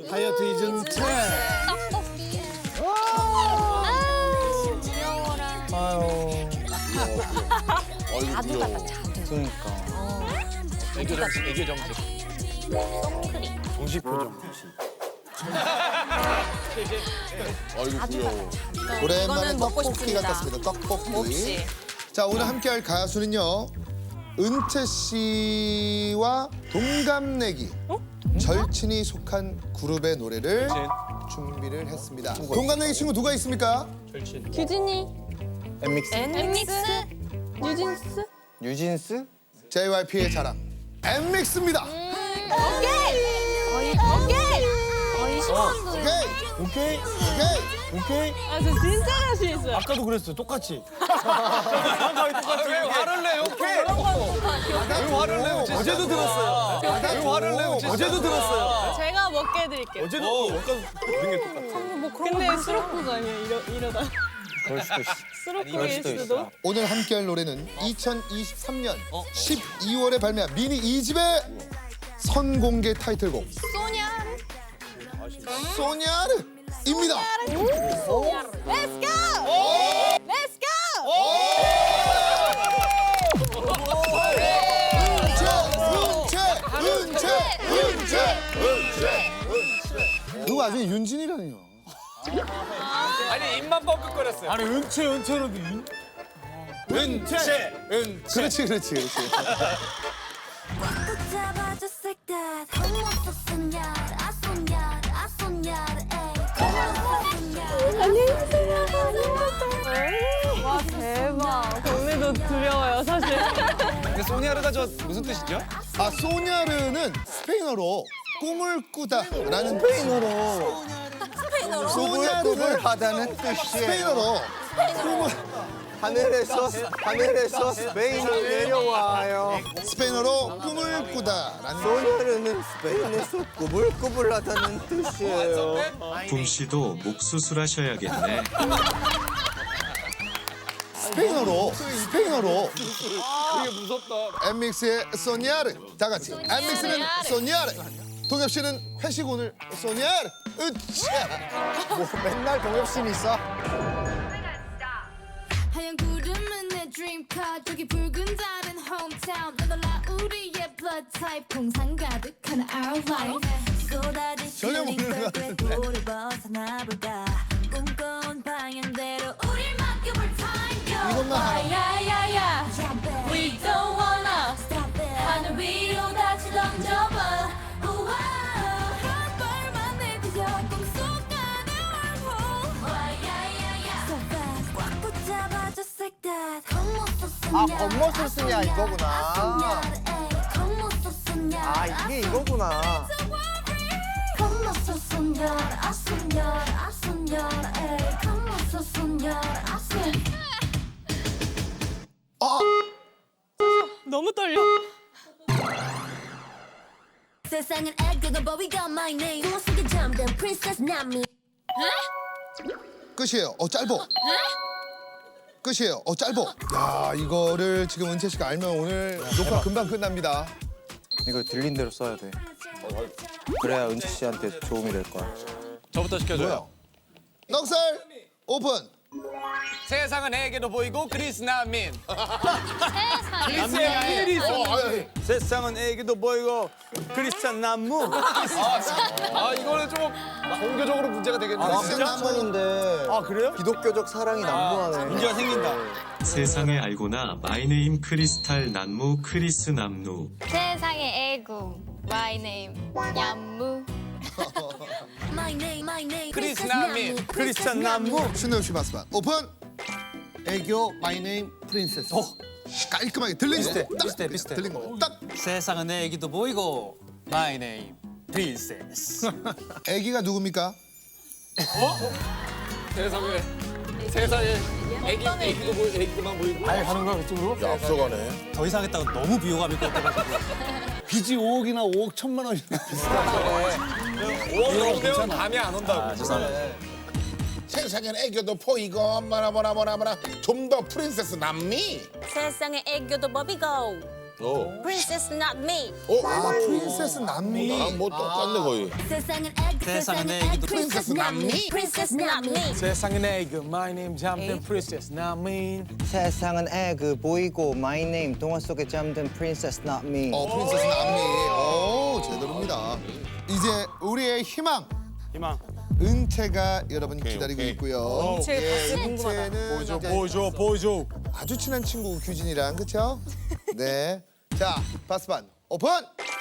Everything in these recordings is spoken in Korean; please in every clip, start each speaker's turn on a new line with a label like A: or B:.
A: 다이어트 잊은 채.
B: 떡볶이. 귀여워라.
C: 아유.
B: 자두 같다, 자두.
C: 그러니까.
D: 애교 정식, 애교 정식.
B: 똥크림.
A: 정식 표정.
E: 아이고 귀여워.
F: 오랜만에
B: 이거는 먹고
F: 떡볶이
B: 싶습니다.
F: 같았습니다. 떡볶이.
B: 몹시.
F: 자, 오늘 함께할 가수는요. 은채 씨와 동갑내기 절친이 속한 그룹의 노래를 준비를 했습니다. 동갑내기 친구 누가 있습니까?
G: 규진이,
C: 엠믹스.
G: 엠믹스, 뉴진스.
C: 뉴진스?
F: JYP의 자랑 엠믹스입니다.
B: 거의 신혼도.
F: 오케이.
C: 오케이.
F: 오케이.
C: 오케이.
G: 아, 저 진짜 자신 있어요.
A: 아까도 그랬어요. 똑같이.
D: 왜 화를 내요? 왜 화를 내요?
A: 어제도 들었어요.
D: 왜 화를 내요?
A: 어제도 들었어요.
G: 제가 먹게 해드릴게요.
A: 어제도 모든 게 똑같아.
G: 근데 수록곡 아니에요, 이러다.
C: 그럴 수도 있어.
G: 수록곡일
C: 수도
G: 수도.
C: 있어.
F: 오늘 함께할 노래는 2023년 12월에 발매한 미니 2집의 선공개 타이틀곡 소냐르입니다.
G: Let's go! Let's go!
F: 그거 아직 윤진이라니요.
D: 아니 입만 뻥끗거렸어요.
A: 아니 은채로 은채.
F: 그렇지.
H: 잡아줘 like that. Come on, so soñar, a soñar, a soñar, ey. Come on, so soñar.
G: 와, 대박. 언니도 두려워요, 사실.
D: 근데 소니아르가 저 무슨 뜻이죠?
F: 아, 소냐르는 스페인어로 꿈을 꾸다라는
C: 꿈을
F: 소냐르를
C: 하다는 뜻이에요.
F: 스페인어로
C: 하늘에서 스페인을 내려와요.
F: 스페인어로 꿈을 꾸다라는
C: 소녀르는 스페인에서 꾸불꾸불하다는 뜻이에요.
I: 붐씨도 목 수술하셔야겠네.
F: 스페인어로
D: 되게 무섭다.
F: 엠믹스의 소냐르 다 같이 엠믹스는 소냐르 동엽 씨는 회식 오늘 소냐르 으쌰
C: 뭐 맨날 동엽신이 있어?
H: 하얀 구름은 내 dream car. 저기 붉은 달은 hometown. 놀라 우리의 blood type. 공상 가득한 our life.
F: 전혀 모르는 것 같은데.
H: 우리 벗어나볼까. 꿈꿔온 방향대로 우릴 맡겨볼 time.
F: 이것만 하나.
G: 야야야, we don't wanna.
H: Stop it.
G: 하늘 위로 다시 던져봐.
H: 우와. 한 발만 내디뎌 꿈속 안에 wormhole. So fast. 꽉 붙잡아줘 like that.
C: 아, 겉멋을 쓰냐 이거구나. 아, 이게 이거구나.
G: 너무 떨려.
H: 세상은 애교도 but we got my name. 꿈 속에 잠든 princess not me.
F: 끝이에요. 짧어. 끝이에요. 짧어. 야, 이거를 지금 은채 씨가 알면 오늘 녹화 금방 끝납니다.
C: 이거 들린 대로 써야 돼. 그래야 은채 씨한테 도움이 될 거야.
D: 저부터 시켜줘요.
F: 뭐야? 넉살 오픈.
D: 세상은 애기도 보이고 그리스 난민.
B: 세상에.
C: 세상은 애기도 보이고 크리스찬 남무.
D: 아 이거는 좀 종교적으로 문제가 되겠네요.
C: 크리스찬인데.
A: 아 그래요?
C: 기독교적 사랑이 난무하네.
A: 문제가 생긴다.
I: 세상에 알고나 마이네임 크리스탈 난무 크리스 남루.
B: 세상의 애구. My name. 얌무.
H: My name.
D: 크리스 난민.
C: 크리스찬 남무.
F: 신동엽 씨 마스반 오픈. 애교 마이 네임 프린세스. 깔끔하게 들린 거.
A: 비슷해.
F: 들린 거. 딱.
J: 세상은 내 애기도 보이고 마이 네임 프린세스.
F: 애기가 누굽니까?
D: 세상에 애기도 보이고 애기만 보이고.
A: 아예 가는 거야 그쪽으로?
E: 앞서가네.
J: 더 이상 했다가 너무 비호감일 것 같아가지고.
A: 빚이 5억이나 5억 1천만 원이나 비슷하네.
D: 5억 정도 되면 감이 안 온다고.
E: 세상엔 애교도 보이고 뭐라 좀 더 프린세스 남미.
G: 세상에 애교도 법이고
B: Princess not me.
F: 아, 프린세스 남미.
E: 아, 뭐 똑같네 거의.
H: 세상은 애기
J: 세상은 애기도
H: Princess not me Princess not me
J: 세상은 애기 My name 잠든 Princess not me.
C: 세상은 애그 보이고 My name 동화 속에 잠든 Princess not me.
F: 프린세스 남미. 오, 제대로입니다. 이제 우리의 희망. 은채가 여러분 기다리고 있고요.
G: 은채 가스 궁금하다.
F: 은채는
J: 보여줘.
F: 아주 친한 친구 규진이랑 그렇죠? 네. 자, 바스반 오픈.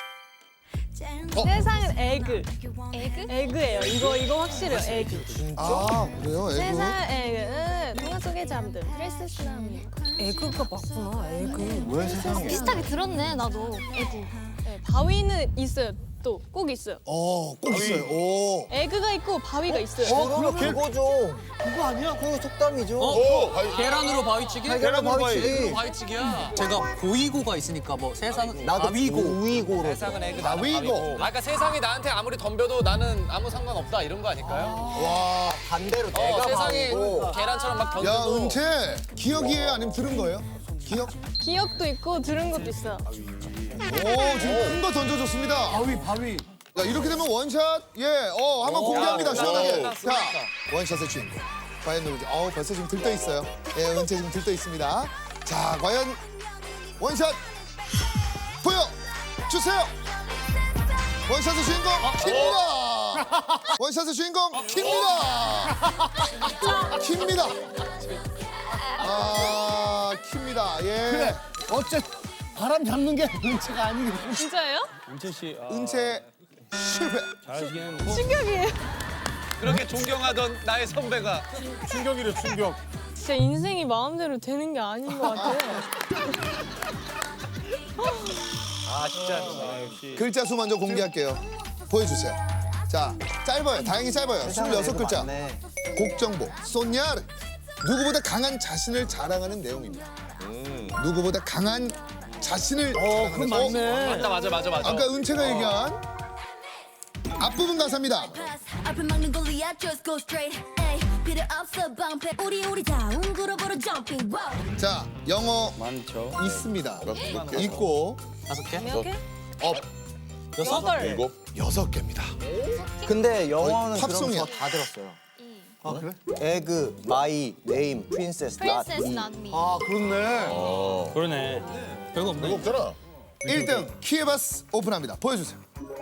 G: 세상은 에그.
B: 에그?
G: 에그예요. 이거 확실해요. 에그.
F: 아, 그래요? 애구.
G: 세상은 에그는 동화 속에 잠든 프린세스 나미. 에그가 맞구나. 에그.
C: 왜 세상에?
B: 비슷하게 들었네 나도. 에그.
G: 네, 바위는 있어요. 또 꼭 있어요.
F: 꼭 있어요. 오.
G: 에그가 있고 바위가 있어요.
C: 그러면 그거죠. 그거 아니야? 그거 속담이죠.
J: 계란으로 바위치기?
C: 계란으로 바위치기.
J: 바위치기야. 제가 보이고가 있으니까 뭐 세상은
C: 나도
J: 바위고.
C: 우이고로.
J: 세상은 애기
F: 바위고.
J: 아까 세상이 나한테 아무리 덤벼도 나는 아무 상관없다 이런 거 아닐까요?
F: 와.
C: 반대로 내가
J: 세상이
C: 바위고.
J: 계란처럼 막
F: 야,
J: 던져도
F: 은채. 기억이에요? 아니면 들은 거예요? 기억?
G: 기억도 있고 들은 것도 있어요.
F: 오, 지금 큰 거 던져줬습니다.
J: 바위.
F: 자, 이렇게 되면 원샷. 한번 공개합니다. 시원하게. 자, 원샷의 주인공. 과연 누구지? 벌써 지금 들떠 있어요. 은채 지금 들떠 있습니다. 자, 과연 원샷 보여주세요. 원샷의 주인공 킵니다. 원샷의 주인공 킵니다. 킵니다. 예.
A: 그래. 어째 바람 잡는 게 은채가 아니고.
G: 진짜예요?
F: 은채 실패.
G: 충격이에요.
J: 그렇게 존경하던 나의 선배가
A: 충격이래 충격.
G: 진짜 인생이 마음대로 되는 게 아닌 것 같아요.
F: 글자 수 먼저 공개할게요. 보여주세요. 자, 짧아요. 다행히 짧아요. 26글자. 곡 정보. 소냐르. 누구보다 강한 자신을 자랑하는 내용입니다. 누구보다 강한 자신을 자랑하는.
A: 맞네.
J: 맞아.
F: 아까 은채가 얘기한 앞부분 가사입니다.
H: 앞을 막는 골리앗 just go straight 에이 필요 없어 방패 우리 다운 그룹으로 jumping wow
F: 자, 영어 많죠. 있습니다. 있고
J: 5개?
G: 몇 개?
E: 일곱.
F: 6개입니다.
C: 근데 영어는
F: 팝송이야.
C: 그럼 저 다 들었어요. 아 그래? 에그, 마이, 네임, 프린세스,
B: Princess not me.
F: 그렇네.
J: 그러네. 별거 없네.
E: 이거 없잖아.
F: 1등 키에바스 오픈합니다. 보여주세요.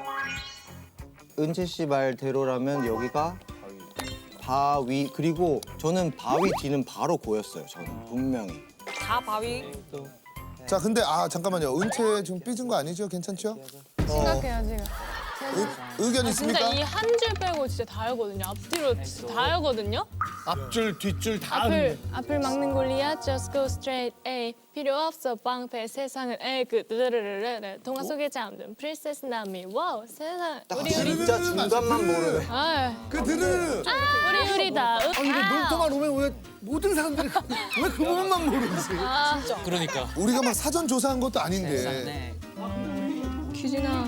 C: 은채 씨 말대로라면 여기가 바위 그리고 저는 바위 뒤는 바로 고였어요. 저는 분명히.
G: 다 바위.
F: 자, 근데 잠깐만요. 은채 지금 삐진 거 아니죠? 괜찮죠?
G: 생각해요 지금.
F: 의견 있습니까?
G: 진짜 이 한 줄 빼고 진짜 다 알거든요. 앞뒤로 진짜 다 알거든요.
A: 앞줄 뒷줄 다.
G: 앞을 막는 골리앗 just go straight 에이 필요 없어 방패 세상을 에그 드르르르르 동화 속에 잠든 프린세스 나미 와우 세상 우리
C: 진짜 중간만 모르네.
F: 그 드르르.
G: 우리 다
A: 근데 놀토만 오면 왜 모든 사람들이 왜 그 부분만 모르지?
J: 그러니까.
F: 우리가 막 사전 조사한 것도 아닌데.
J: 네.
G: 규진아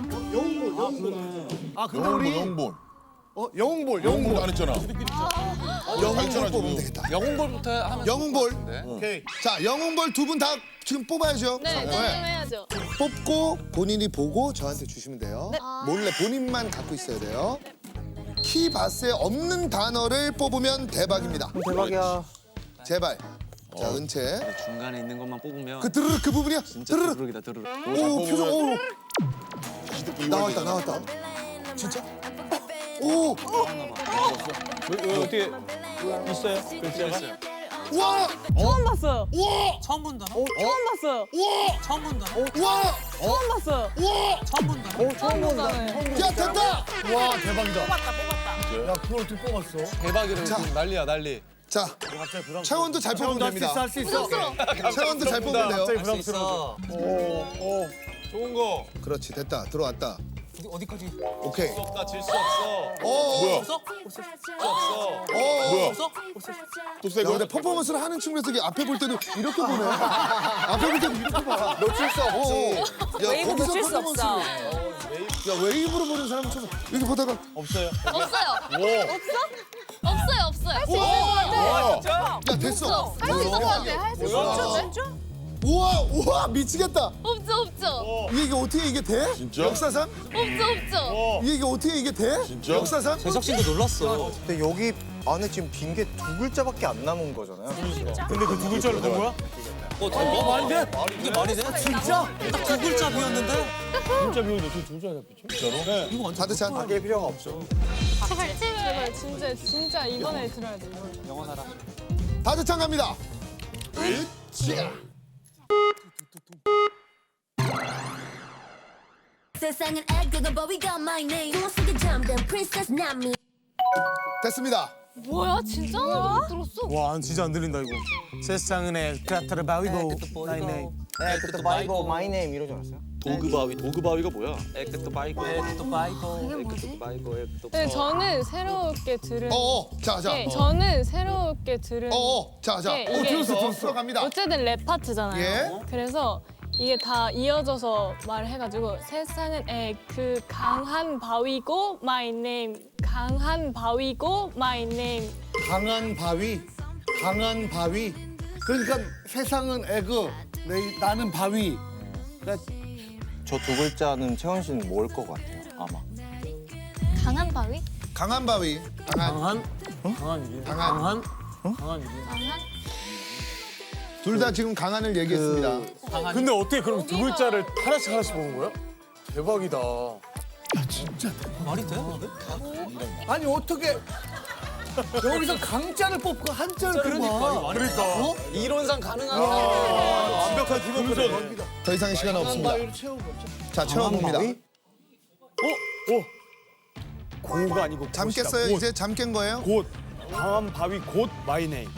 A: 근데 우리
E: 영본.
A: 영웅볼.
E: 안 했잖아.
F: 영웅볼 뽑으면 되겠다.
J: 영웅볼부터 하면
F: 영웅볼.
A: 오케이.
F: 자, 영웅볼 두 분 다 지금 뽑아야죠.
G: 네 해야죠.
F: 뽑고 본인이 보고 저한테 주시면 돼요. 몰래 본인만 갖고 있어야 돼요. 키바스에 없는 단어를 뽑으면 대박입니다.
C: 대박이야.
F: 제발. 자, 은채.
J: 중간에 있는 것만 뽑으면
F: 그 드르륵 그 부분이야?
J: 진짜
F: 드르륵.
J: 드르륵이다 드르륵.
F: 오, 표정. 오. 나왔다. 진짜? 오.
A: 어떻게 있어요? 글자가?
F: 와.
G: 처음 봤어요.
F: 와.
J: 처음 본다나?
G: 처음 봤어요.
F: 와.
J: 처음 본다나?
F: 와.
G: 처음 봤어요.
F: 와.
J: 처음 본다나?
G: 처음 봤어요.
F: 야, 됐다.
A: 와 대박이다. 뽑았다. 야 그걸 어떻게 뽑았어?
J: 대박이래. 지금 난리야 난리.
F: 자, 차원도 잘 뽑으면 됩니다.
A: 할 수 있어.
F: 차원도 잘 뽑으면 돼요.
A: 갑자기
J: 할 수 있어.
E: 좋은 거.
F: 그렇지, 됐다. 들어왔다.
J: 어디까지?
F: 오케이.
E: 질수 없어.
F: 뭐야?
J: 없어?
E: 뭐야?
J: 없어?
E: 또 새
F: 야,
E: 거?
F: 근데 퍼포먼스를 하는 측면에서 이게 앞에 볼 때도 이렇게 보네. 앞에 볼 때도 이렇게 봐. 놓칠 수 없지. 야,
G: 웨이브
F: 거기서
G: 놓칠 수
F: 퍼포먼스를.
G: 없어.
F: 야, 웨이브로 보는 사람은 처음. 이렇게 보다가.
A: 없어요.
B: 없어요.
F: 야, 됐어.
B: 할 수 있을 것 같아. 할 수 있을 것 같아.
F: 우와 미치겠다.
B: 없죠.
F: 이게 어떻게 이게 돼?
E: 진짜?
F: 역사상?
B: 없죠.
F: 이게 어떻게 이게 돼?
E: 진짜?
F: 역사상?
J: 재석 씨도 놀랐어.
C: 근데 여기 안에 지금 빈 게 2글자밖에 안 남은 거잖아요.
J: 근데 그 두 글자를 본 거야? 말이 돼? 이게 말이 돼? 진짜? 딱 두 글자 비었는데?
E: 진짜 비운데 저 둘 잘 잡히죠? 진짜로?
J: 이거 완전
F: 다드찬.
C: 바뀔 필요가 없죠.
G: 제발 진짜 이번에 들어야 돼.
J: 영원하라.
F: 다드찬 갑니다. 으쌰.
H: 세상은 애교가 but we got my name 동화 속에 잠든 princess not me
F: 됐습니다.
B: 뭐야 진짜 하나도 못 들었어.
J: 와, 진짜 안 들린다 이거. 세상은 그라타를 바위고 나의 네임.
C: 그때 바이고 마이 네임 이러지 않았어요?
D: 도그바위가 뭐야?
J: 에크토 바이고. 에크토 바이고.
B: 이게 뭐지?
G: 근데 저는 새롭게 들은.
F: 자.
G: 네, 저는 새롭게 들은.
F: 자.
G: 네, 이게
F: 들었어. 들어갑니다.
G: 어쨌든 랩 파트잖아요.
F: 예.
G: 그래서 이게 다 이어져서 말해가지고 세상은 그 강한 바위고 my name 강한 바위고 my name
A: 강한 바위. 그러니까 세상은 에그, 나는 바위. 그러니까
C: 저 2글자는 채원 씨는 모을 것 같아요. 아마.
B: 강한 바위?
F: 강한 바위. 강한.
J: 강한?
F: 둘 다 지금 강한을 얘기했습니다.
D: 근데 어떻게 그럼 두 글자를 하나씩 보는 거야? 대박이다.
J: 말이 돼?
A: 아니 어떻게 여기서 강자를 뽑고 한자를 그러니까.
D: 그러니까.
J: 이론상 가능한
D: 완벽한 팀워크.
F: 더 이상의 시간 없습니다.
A: 바위로 채워보죠.
F: 자, 채워봅니다.
D: 고가 아니고
F: 잠 깼어요? 이제 잠 깬 거예요?
D: 곧. 강한 바위 곧 마이네임.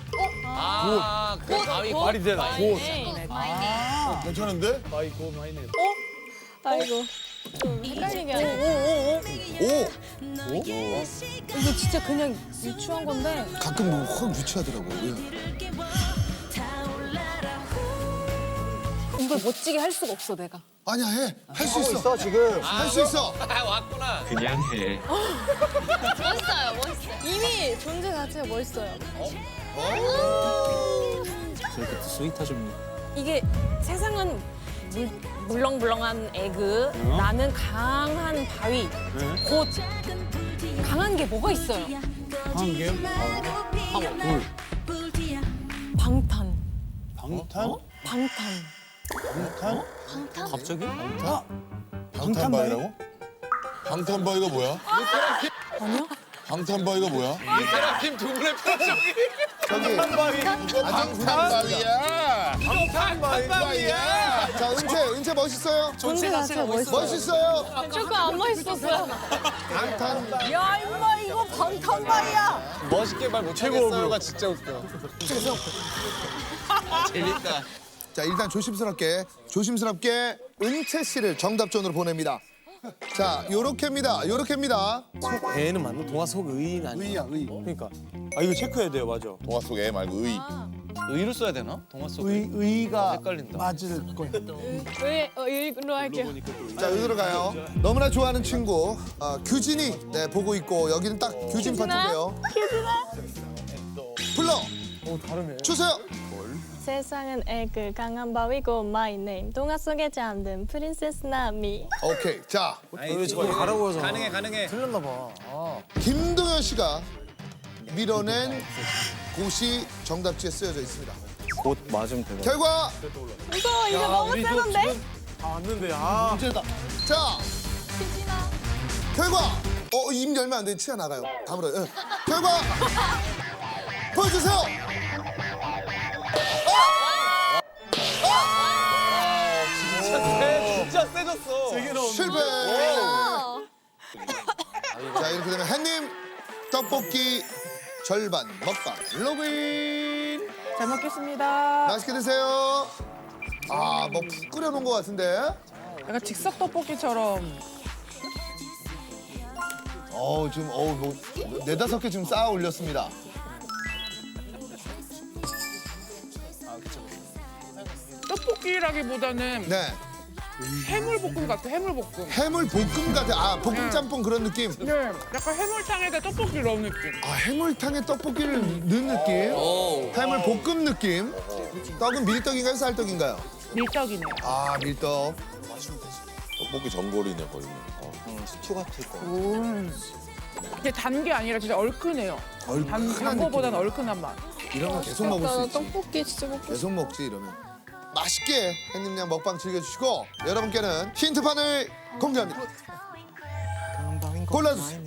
J: 그 바위
D: 말이 되나? 곧.
E: 괜찮은데?
D: 바위고 마이네임.
G: 아이고 좀 헷갈리게 하네.
F: 오!
G: 이게 진짜 그냥 유추한 건데
F: 가끔 확 유치하더라고요.
G: 이걸 멋지게 할 수가 없어 내가.
F: 아니야, 해. 할 수 있어.
C: 있어 지금.
F: 할 수 있어.
J: 왔구나.
I: 그냥 해.
B: 멋있어요.
G: 이미 존재 자체가 멋있어요.
J: 저렇게 스윗하십니다.
K: 이게 세상은 물렁물렁한 에그, 나는 강한 바위. 곧 강한 게 뭐가 있어요?
J: 강한 게요?
K: 방탄.
E: 방탄?
K: 방탄.
J: 갑자기?
E: 방탄바위라고? 방탄바위가 뭐야?
K: 아니요?
E: 방탄바위가 뭐야?
J: 팀 두 분의 표정이.
F: 저기.
E: 방탄바위야!
J: 방탄바위야.
F: 자, 은채 멋있어요?
K: 존재 자체가 멋있어요.
F: 멋있어요?
G: 조금 안 멋있었어요.
F: 방탄.
K: 야 임마 이거 방탄바위야.
J: 멋있게 말 못하겠어요가 진짜 웃겨. 재밌다.
F: 자, 일단 조심스럽게 은채 씨를 정답전으로 보냅니다. 자, 요렇게입니다.
D: 애는 맞나? 동화 속 의인 아니야?
A: 의.
D: 그러니까. 아 이거 체크해야 돼요, 맞아.
E: 동화 속 애 말고 의.
J: 의로 써야 되나? 동화 속 의.
A: 의가
J: 헷갈린다.
A: 맞을 거야.
G: 의로 할게요.
F: 자, 여기로 가요. 너무나 좋아하는 친구 규진이 보고 있고 여기는 딱 규진 파트인데요. 불러
D: 다르네.
F: 주세요.
G: 세상은 에그 강한 바위고 my name 동화 속에 잠든 프린세스 나미.
F: 오케이. 자,
J: 왜 저거 가라고 해서. 가능해.
D: 틀렸나 봐.
F: 김동현 씨가 밀어낸 곳이 정답지에 쓰여져 있습니다.
C: 곧 맞으면 되거든요.
F: 결과
G: 무서워 이거 너무 센 건데?
D: 다 왔는데 아.
A: 문제다.
F: 자, 결과 입 열면 안 돼. 치아 나가요. 다물어요. 결과 보여주세요.
J: 진짜 세졌어.
F: 실패. 자, 이렇게 되면 햇님 떡볶이 절반 먹방 로그인.
K: 잘 먹겠습니다.
F: 맛있게 드세요. 뭐 푹 끓여놓은 것 같은데.
K: 약간 즉석 떡볶이처럼.
F: 지금 뭐 4-5개 지금 쌓아 올렸습니다.
K: 떡볶이라기보다는
F: 네.
K: 해물볶음 같아, 해물볶음.
F: 해물 볶음 같아. 아, 볶음 짬뽕 그런 느낌.
K: 네, 약간 해물탕에다 떡볶이 넣은 느낌.
F: 아, 해물탕에 떡볶이를 넣은 느낌. 해물 볶음 느낌. 떡은 밀떡인가요, 쌀떡인가요?
K: 밀떡이네요.
F: 아, 밀떡.
E: 떡볶이 전골이네 거의.
C: 스튜 같을 거.
K: 근데 단 게 아니라 진짜 얼큰해요. 단 거보다는 얼큰한 맛.
F: 이러면 계속 먹을 수 있지.
G: 떡볶이 진짜 먹고
F: 계속 먹지 이러면. 맛있게 햇님양 먹방 즐겨주시고 여러분께는 힌트판을 공개합니다. 골라주세요.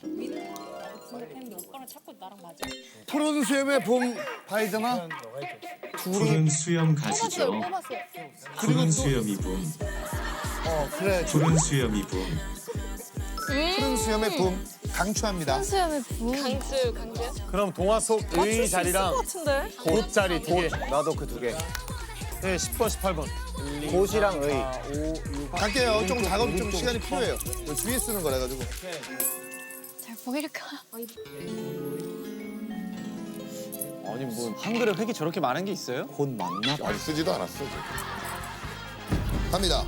A: 푸른 수염의 봄 바이잖아.
I: 푸른 수염 가시죠. 푸른 수염이 봄.
A: 그래.
I: 푸른 수염이 봄.
F: 푸른 수염의 봄 강추합니다.
B: 수염의 부.
G: 강수.
D: 그럼 동화 속 의 자리랑
G: 같은데?
D: 곶 자리 두 개.
C: 나도 그 두 개.
D: 네, 10번, 18번.
C: 곶이랑 의.
F: 갈게요. 좀 작업 좀 시간이 필요해요. 이거 주위에 쓰는 거라 가지고.
B: 잘 보일까?
J: 아니 뭐 한글에 획이 저렇게 많은 게 있어요?
C: 곶 맞나 봐.
E: 많이 쓰지도 않았어.
F: 갑니다.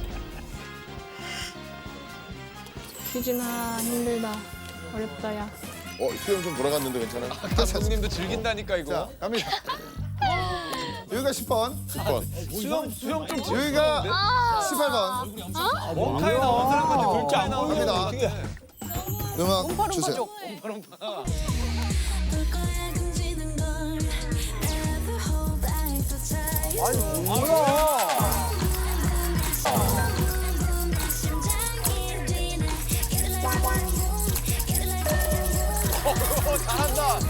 G: 퀴즈나 힘들다. 어렵다, 야.
E: 수염 좀 돌아갔는데 괜찮아?
J: 감독님도 즐긴다니까 이거.
F: 자, 갑니다. 여기가 10번,
E: 10번.
J: 수영 좀
F: 여기가 18번.
J: 원카에 나온 사람한테 글자 안 나오는
F: 갑니다. 음악 주세요.
J: 잘한다.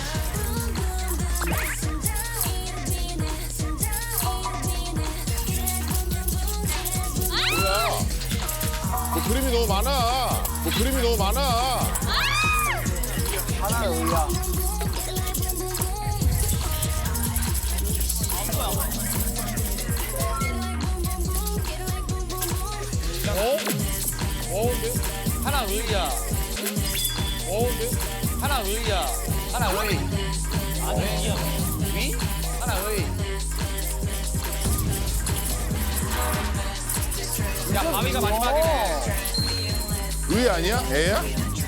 E: 뭐 그림이 너무 많아. 뭐 그림이 너무 많아.
C: 하나는 의야.
J: 하나 의야. 하나 의야. 하나 의. 위? 하나 의. 야, 바위가 마지막이네.
E: 의 아니야? 애야?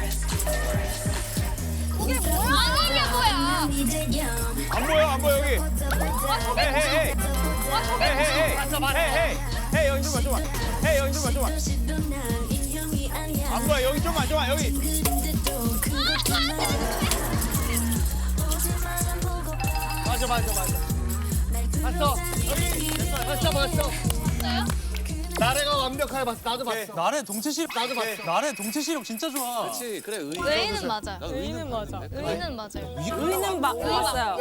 B: 이게 뭐야?
J: 안 보여, 안 보여, 여기. 헤이, 헤이, 헤이. 헤이, 헤이, 헤이. 헤이, 헤이. 헤이, 여기 좀만, 좀만. 헤이, 여기 좀만, 좀만. 안 보여, 여기 좀만, 좀만, 여기. 맞아, 맞아, 맞아. 봤어. 여기. 봤어.
A: 나래가 완벽하게 봤어. 나도 봤어.
J: 나래 동체 시력.
A: 나도 봤어.
J: 나래 동체 시력 진짜 좋아. 그렇지, 그래, 의.
B: 의는 맞아요.
G: 의는 맞아.
B: 의는 맞아요.
K: 의는 맞어요.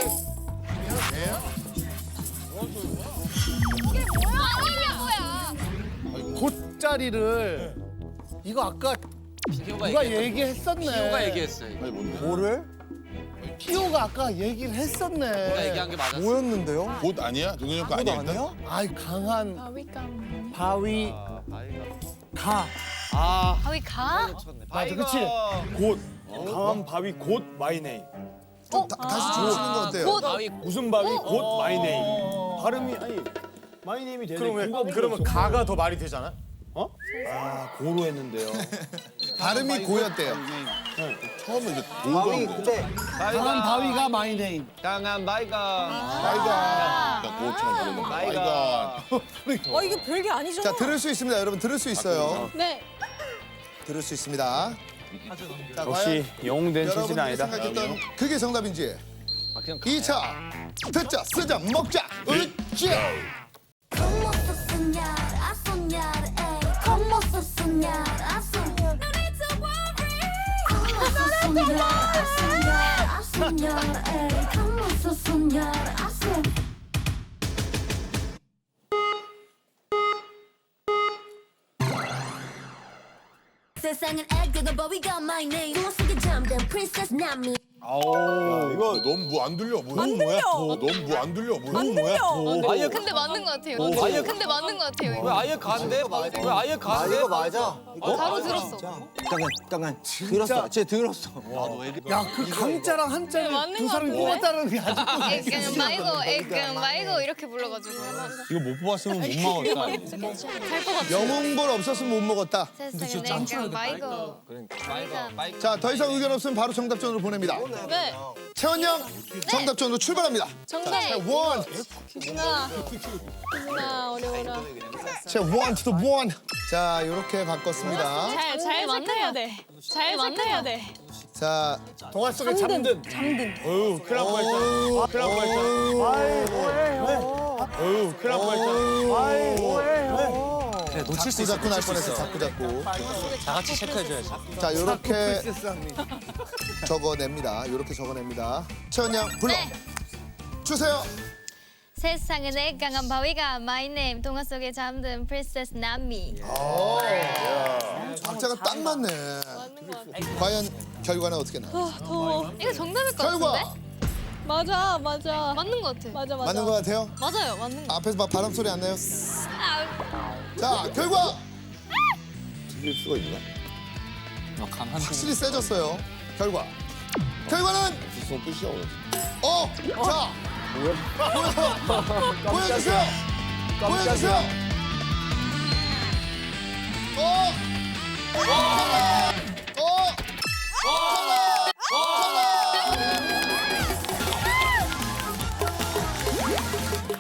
A: 곶자리를 이거 아까 누가 얘기했었네.
J: 피오가 얘기했어요.
E: 아니 뭔데?
C: 뭐를?
A: 피오가 아까 얘기를 했었네.
J: 내가 얘기한 게 맞았어.
C: 뭐였는데요?
E: 곶 아니야? 동현이 거
C: 곶
E: 아니야? 일단?
C: 아니야?
A: 아이 강한
G: 바위감.
A: 바위 가.
J: 아,
B: 바위 가?
A: 맞아, 그치?
D: 곶. 강한 바위 곶 마이네임.
F: 좀 다시 주시는 거 어때요?
J: 바위.
D: 무슨 바위 곶 마이네임. 발음이 아니 마이네임이 되네. 그러면 가가 더 말이 되잖아. 어? 아 고로 했는데요.
F: 발음이 고였대요.
E: 처음에 이제
C: 바위
E: 돌고
C: 근데
A: 강한 바위가 마이 네임.
J: 강한 바위가.
E: 아이가. 그러니까 그것처럼 부르는 거. 아이가.
K: 이거 별게 아니죠?
F: 자, 들을 수 있습니다. 여러분 들을 수 있어요.
G: 네.
F: 들을 수 있습니다. 자,
D: 역시 영웅된 체질은
F: 여러분들이
D: 아니다.
F: 생각했던 그게 정답인지
J: 그냥
F: 2차 듣자 쓰자 먹자 으쌰.
H: Como se soñar, a soñar, ey. Como se soñar, a soñar. No need to worry. Como se soñar, a soñar, a soñar, ey. Como se soñar, a soñar. 세상은 애교가 but we got my name. 누워 속에 잠든 princess not me.
E: 이거 너무 뭐 안 들려. 뭐야?
K: 안 들려.
E: 너무 뭐 안 들려. 뭐야?
K: 안 들려.
J: 아예
B: 근데 맞는 것 같아요. 근데 맞는 것 같아요.
J: 왜
B: 이거.
J: 아예 가는데? 왜 아예
C: 아
J: 가는데?
C: 이거 맞아.
B: 바로 들었어.
C: 잠깐 들었어. 쟤 들었어.
A: 야, 그 강자랑 한자를
B: 맞는
A: 두
B: 것
A: 사람이
B: 같은데?
A: 뽑았다는 게 아주.
B: 애금 말고 애금 말고 이렇게 불러가지고
J: 이거 못 뽑았으면 못 먹었다.
B: 잘 뽑았어.
F: 영웅볼 없었으면 못 먹었다.
B: 세상에 애금 말고.
F: 자, 더 이상 의견 없으면 바로 정답전으로 보냅니다.
G: 네.
F: 채원 양, 정답전으로 출발합니다.
G: 정답.
F: 채원,
G: 기준아. 기준아 어려워라.
F: 채원 to the one. 자, 이렇게 바꿨습니다.
G: 잘 체크해야 돼. 잘 체크해야 돼.
F: 자,
D: 동화 속에 잠든. 어휴, 큰일 날 뻔했잖아. 큰일 날 뻔했잖아. 어휴, 큰일 날 뻔했잖아.
J: 그래, 놓칠 수
F: 자꾸
J: 있어.
F: 날 뻔했어. 자꾸.
J: 다 같이 체크해줘야지.
F: 자, 요렇게 적어냅니다. 요렇게 적어냅니다. 채원 양, 불러
B: 네.
F: 주세요.
B: 세상은 애강한 바위가 My name 동화 속에 잠든 프린세스 나미.
F: 박자가 딱 맞네. 과연 결과는 어떻게 나?
G: 더워.
B: 이거 정답일 것
F: 결과
B: 같은데?
G: 맞아.
B: 맞는 것 같아.
G: 맞아.
F: 맞는 것 같아요?
B: 맞아요, 맞는 거.
F: 앞에서 막 바람 소리 안 나요?
B: 아,
F: 자, 결과
E: 틀릴 수가 있나?
J: 강한
F: 확실히 세졌어요. 결과는
E: 무슨 뜻이야? 오늘?
F: 자, 보여주세요. 보여주세요.